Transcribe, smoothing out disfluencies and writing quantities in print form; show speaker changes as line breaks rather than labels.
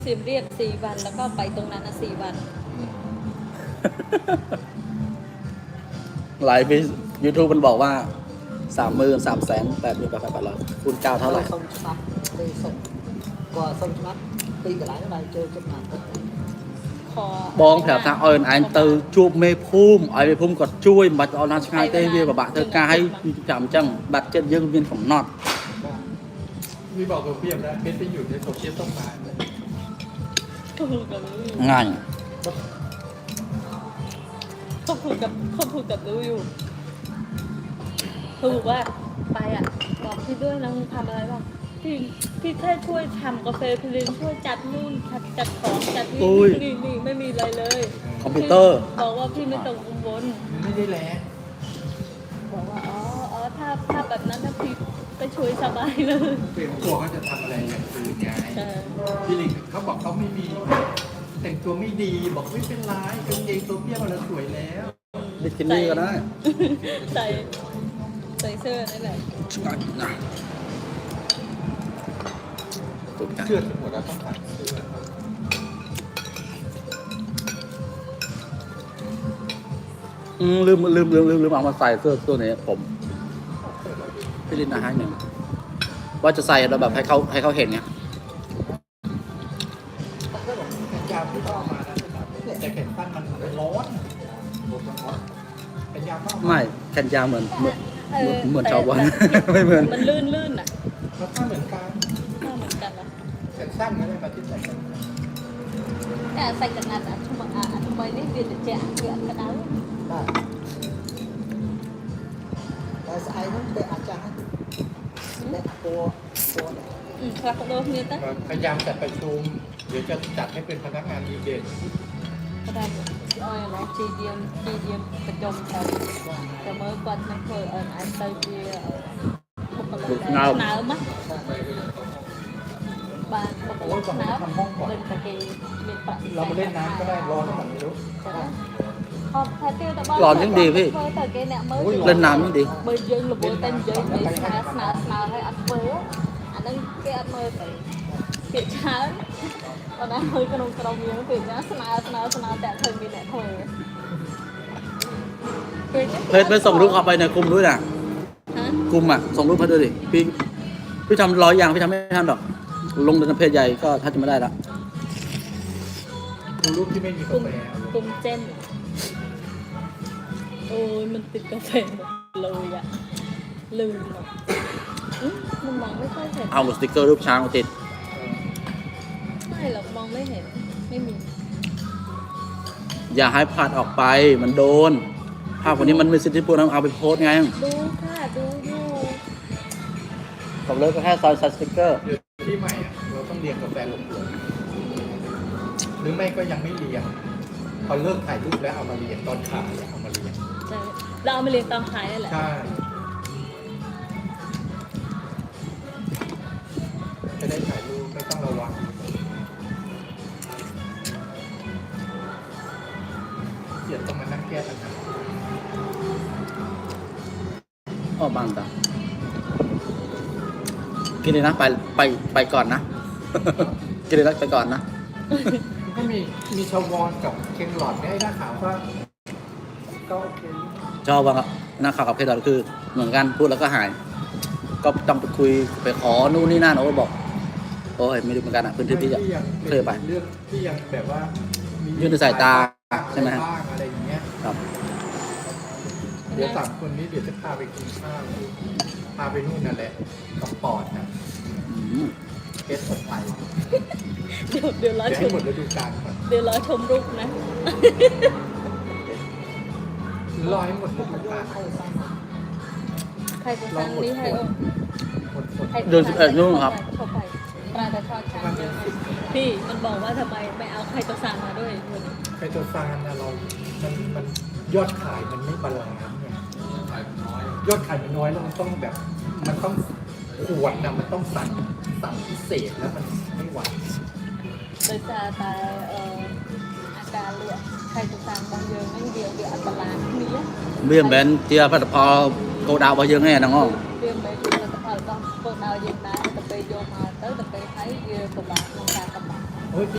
สิมเรียบ4 วันแล้วก็ไปตรงนั้น4 วัน
หลายปี YouTube มันบอกว่า33,800,800คูณ9เท่าไหร่
ส่งฉบับไปส่งก็ส่งฉบับตีกับหลายอะไรเจอจดหมาย
ขอ
បងប្រាប់ថាឲ្យអញទៅជួបមេភូមិឲ្យមេភូមិគាត់ជួយមិនបាច់ឲ្យណាឆ្ងាយទេវាពិបាកធ្វើការឲ្យចាំអញ្ចឹងបាត់ចិត្តយើងមានកំណត់
พี่บอกกับพี่เอ็มนะเพชรไปอยู่ในโซเชียลต้องมา
เขาพูดกับรู้อยู่
ง่าย
เขาพูดกับรู้อยู่เขาบอกว่าไปอ่ะบอกพี่ด้วยนะมึงทำอะไรบ้างพี่แค่ช่วยทำกาแฟพี่ลินช่วยจัดนู่นจัดของจัดนี่ไม่มีอะไรเลย
คอมพิวเตอร์
บอกว่าพี่ไม่ต้องกังวล
ไม่ได้แรง
บอกว่าอ๋อถ้าแบบนั้นนะพี่ไปช่วยสบายเลย
เป็นกลัวเขาจะทำอะไรอย่างอื่นไง
ใช่
พี่ลิงเขาบอกเขาไม่มีแต่งตัวไม่ดีบอกไม่เป็นไรกางเกงตัวเปี้ยมันสวยแล้ว
บิกินี่ก็ได้
ใส่เสื้อนั่นแหละ
ឆ្ងាញ់ណាស់ទុកចា
เชื่อทั้งหมดแล้วต้องตัดเสื้อ
ลืมเอามาใส่เสื้อตัวนี้ผมพี่ลินนะให้หนึ่งว่าจะใส่เราแบบให้เขาเห็นไง
ก็บอกแขนยาวที่ต้องเอามานะแต่แขนสั้นมันร้อนแขนยาวต้องเอามา
ไม่แขนยาวเหมือนชาวบ้าน ไม่เหมือน
มันลื่นอ่ะ
แล้วถ้าเหมือนกัน
ถ้าเหมือนกันนะ
แขนสั้นก็ได้มาที่ใส่กัน
แต่ใส่กันนัดอ่ะทำไมนี่เดือดจะเดือดกระดาษ
ได้แต่สายนั้นเป็นอาจารย์และตัวเนี่ย
ครับโดนเนี่ยตั้ง
พยายามจัดประชุมเดี๋ยวจะจัดให้เป็นพนักงานดีเด่น
กระดาษอ้อยเนาะจีเดียมประจมครับแต่เมื่อก่อนฉันเคยไอ้ไตเบียพวกอะไรหนาวมั้ยบ้านปกติหนาวเป็นตะเกียบเป็นปะ
เรามาเล่นน้ำก็ได้ร้อนก็ไม่รู้
ขอบแพทย์tiêuแต่บ้าน
ร้อนยังดีพี่
แต่เกเนี่ยmới
เล่นน้ำยังดี
bởi dương là bố tên dương để sná hay ăn bố anh đang cái ăn mơ phải kiện chán còn anh hơi cái nông miếng thì nhá sná tại thời mình lại thôi
เพจไปส่งรูปเข้าไปในกลุ่มด้วยนะ
hả
กลุ่มอ่ะส่งรูปมาด้วยดิพี่ทำ100 อย่างพี่ทำไม่ทันหรอกลงในเพจใหญ่ก็ถ้าจะไม่ได้ละ
ดูรูปที่ไม่มีกา
cùng
แฟ
cùng trên ôi mìnhติดกาแฟหมดเลยอ่ะลืมอ่ะมันมองไม่ค่อยเห็น
เอาสติ๊กเกอร์รูปช้างมาติด
ไม่หรอกมองไม่เห็นไม่มี
อย่าให้พลาดออกไปมันโดนภาพคนนี้มันมีสิทธิพูดเอาไปโพสต์ไง
ดูค่ะดูอยู่
กับเลิกก็แค่ใส่สติ๊กเกอร์
เดี๋ยวที่ใหม่อะเราต้องเรียงกาแฟลงตัวหรือไม่ก็ยังไม่เรียงพอเลิกถ่ายรูปแล้วเอามาเรียงตอนขายเอามาเรียง
ใช่เราเอามาเรียนตามขายนั่นแหละ
ใช่จะได้ถ่ายรูปไม่ต้องระวังเดี๋ยวต้องมานั่งแก้ปัญหา
อ้อบางตากินเลยนะไปก่อนนะ กินเลยนะไปก่อนนะ
ก็มีชาวอนกับเคนหลอดได้หน้าขาวว่าก็โอเค
ชอบว่าหน้าข่าวกับเพจเราคือเหมือนกันพูดแล้วก็หาย ก็ต้องไปคุยไปขอนู่นนี่นั่นโอ้บอกโอ้ยไม่รู้เหมือนกันอ่ะพื้นที่พี่จะ
ยัง
เคยไป
เรื่องที่ยังแบบว่ามี
ยื่นในสายตาใช่ไหม
บ้างอะไรอย่างเงี้ย
ครับ
เดี๋ยว3 คนนี้เดี๋ยวจะพาไปกินข้าวพาไปนู่นนั่นแหละกับปอดนะ
อืม
เกสคนไทย
เดี๋ยวรอ
เดี๋ยว
ช
ให้
ม
หมดฤดูกาลก่อน
เดี๋ยวรอชมรูปนะ
รอให้หมดฤดูกาล
ใครจะสั่งนี้ให้องค์
หมด
เดือน11นู่นครับ
เข้าไปปลาแต่ทอดช่างเยอะพี่มันบอกว่าทำไมไม่เอาใครจะสั่งมาด้วยวันนี้
ไคโตซานนะมันยอดขายมันไม่บาลานซ์เนี่ยยอดขายมันน้อยแล้วมันต้องแบบมันต้องขวดนะมันต้องสั่งพิเศษแล้วมันไม่ไหว
โดยจะแต่อาการเลือดใครจะสั่งบางเยอะไม่เดียวเดี๋ยวอันตรายนี้
เบี้ยแบนเตียพัดพอโกดาวไปเยอะแง่น้องอ้อ
เรื่องไปดูแลสภาพต้องพวกเราอย่างนั้นแต่ไปโยมมาแต่ไปใช้เยอะกว่าบางการกำบัง
โอ้ย